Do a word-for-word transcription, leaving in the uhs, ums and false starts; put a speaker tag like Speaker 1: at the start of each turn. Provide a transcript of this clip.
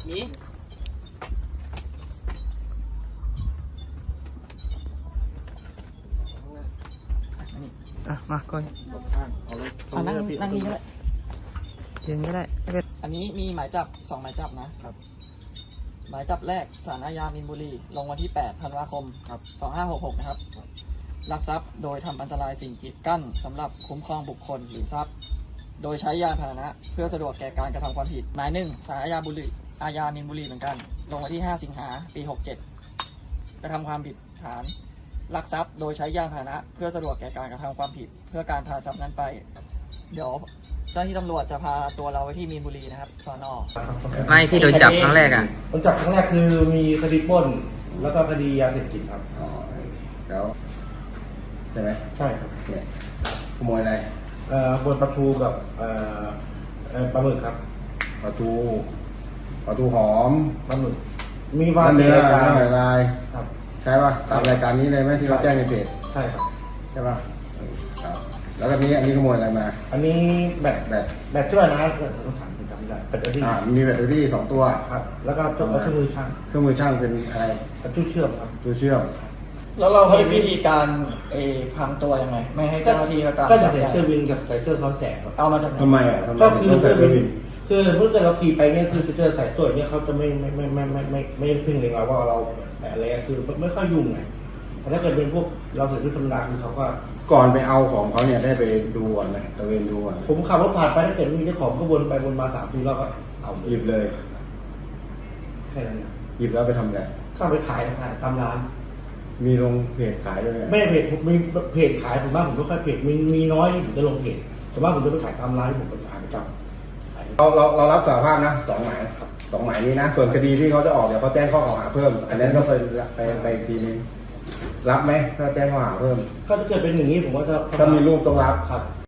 Speaker 1: มี
Speaker 2: อ่ะมาก่อน
Speaker 1: เอาเลย
Speaker 2: เอานั่งนั่งนี่ก็ได้ยืนก็ได้ไม่เป็นอันนี้มีหมายจับสองหมายจับนะครับ หมายจับแรกศาลอาญามีนบุรีลงวันที่แปดธันวาคมครับสองห้าหกหกนะครับลักทรัพย์โดยทำอันตรายสิ่งกีดกั้นสำหรับคุ้มครองบุคคลหรือทรัพย์โดยใช้ยานพาหนะเพื่อสะดวกแก่การกระทำความผิดหมายหนึ่งศาลอาญาบุรีอาญามีนบุรีเหมือนกันลงวันที่ห้าสิงหาปีหกเจ็ดกระทำความผิดฐานลักทรัพย์โดยใช้ยานพาหนะเพื่อสะดวกแก่การกระทำความผิดเพื่อการพาทรัพย์นั้นไปเดี๋ยวเจ้าหน้าที่ตำรวจจะพาตัวเราไปที่มีนบุรีนะครับสน.ไม่ที่โดนจับครั้งแรกอ่ะ
Speaker 3: โดนจับครั้งแรกคือมีคดีปล้นแล้วก็คดียาเสพติดครับ
Speaker 1: อ๋อแล้วใช่ไหม
Speaker 3: ใช่ครับ
Speaker 1: เนี่ยขโมยอะไร
Speaker 3: เอ่อบนปลาทูกับเอ่อเอ่อปลาหมึกครับ
Speaker 1: ปลาทูปลาทูหอม
Speaker 3: ปลาหมึกมีวา
Speaker 1: เนื้อ
Speaker 3: ราย
Speaker 1: เนื้อลาย
Speaker 3: ครับ
Speaker 1: ใช่ป่ะตามรายการนี้เลยไหมที่เขาแจ้งในเพจ
Speaker 3: ใช่ครับ
Speaker 1: ใช่ป่ะเออครับ แล้วก็นี้อันนี้ขโมยอะไรมา
Speaker 3: อันนี้แบต
Speaker 1: แบต
Speaker 3: แบตช่วยนะต้องถามผมจำไม่ได้แบตเตอรี่
Speaker 1: อ่ามีแบตเตอรี่สองตัว
Speaker 3: ครับ แล้วก็ตัวเครื่องมือช่าง
Speaker 1: เครื่องมือช่างเป็นอะไร
Speaker 3: กับตู้เชื่อมครับ
Speaker 1: ตัวเชื่อม
Speaker 2: แล้วเรามีวิธีการเออพังตัวยังไงไม่ให้เจ้าหน้าที่เขาตาม
Speaker 3: ก็จะ
Speaker 2: จับ
Speaker 3: ใส่
Speaker 2: ได้
Speaker 3: เสื้อวินกับใส่เสื้อซ้อนแสงครับ
Speaker 2: เอามาจากไหน
Speaker 1: ทำไมอ่ะทำไม
Speaker 3: ก็คือ
Speaker 1: ต้องใส่
Speaker 3: เสื้อ
Speaker 1: เสื้อ
Speaker 3: วิ
Speaker 1: วิ
Speaker 3: น
Speaker 1: น
Speaker 3: คือเมื่อเกิดเราขี่ไปเนี่ยคือจะเจอสายตรวจเนี่ยเขาจะไม่ไม่ไม่ไม่ไม่ไม่ไม่พึ่งเลยเราว่าเราอะไรคือไม่ค่อยยุ่งไงแต่ถ้าเกิดเป็นพวกเราใส่ชุดธรรมดาคือเขาก็
Speaker 1: ก่อนไปเอาของเขาเนี่ยได้ไปดูก่อนไหมตะเวนดูก่อน
Speaker 3: ผมขับรถผ่านไปถ้าเกิดมีเจ้าของก็วนไปวนมาสามทีแล้วก็เอา
Speaker 1: หยิบเลย
Speaker 3: แค่นั้นนะ
Speaker 1: หยิบแล้วไปทำอะไร
Speaker 3: เข้าไปขายขายตามร้าน
Speaker 1: มีลงเพจขายด้วยไหม
Speaker 3: ไม่ได้เพจผมมีเพจขายผมบ้างผมไม่ค่อยเพจมีมีน้อยที่ผมจะลงเพจแต่ว่าผมจะไปขายตามร้านที่ผมไปขายประจำขาย
Speaker 1: เราเราเรารับสารภาพนะสองหมายครับสองหมายนี้นะส่วนคดีที่เขาจะออกเดี๋ยวเขาแจ้งข้อกล่าวหาเพิ่ม อันนั้นก็ไปไปไปอีกทีนึงรับไหมถ้าแจ้งข้อหาเพิ่ม
Speaker 3: ถ้าเกิดเป็นอย่างนี้ผมว่าจะ
Speaker 1: ถ้ามีรูปต้องรับ
Speaker 3: ครับ